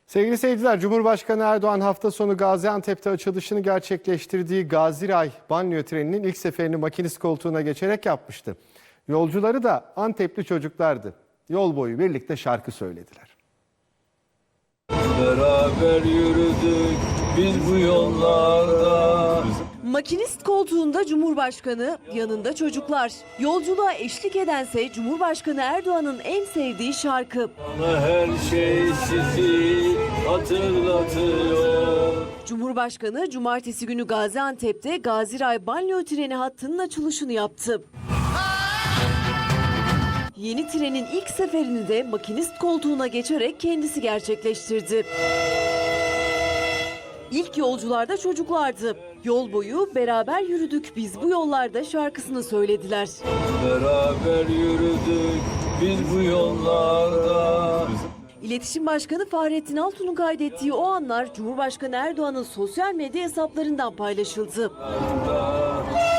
Sevgili seyirciler, Cumhurbaşkanı Erdoğan hafta sonu Gaziantep'te açılışını gerçekleştirdiği Gaziray banliyö treninin ilk seferini makinist koltuğuna geçerek yapmıştı. Yolcuları da Antepli çocuklardı. Yol boyu birlikte şarkı söylediler. Beraber yürüdük biz bu yollarda. Makinist koltuğunda Cumhurbaşkanı, yanında çocuklar. Yolculuğa eşlik edense Cumhurbaşkanı Erdoğan'ın en sevdiği şarkı. Bana her şey sizi hatırlatıyor. Cumhurbaşkanı cumartesi günü Gaziantep'te Gaziray banliyö treni hattının açılışını yaptı. Yeni trenin ilk seferini de makinist koltuğuna geçerek kendisi gerçekleştirdi. İlk yolcularda çocuklardı. Yol boyu beraber yürüdük biz bu yollarda şarkısını söylediler. Beraber yürüdük biz bu yollarda. İletişim Başkanı Fahrettin Altun'un kaydettiği o anlar Cumhurbaşkanı Erdoğan'ın sosyal medya hesaplarından paylaşıldı.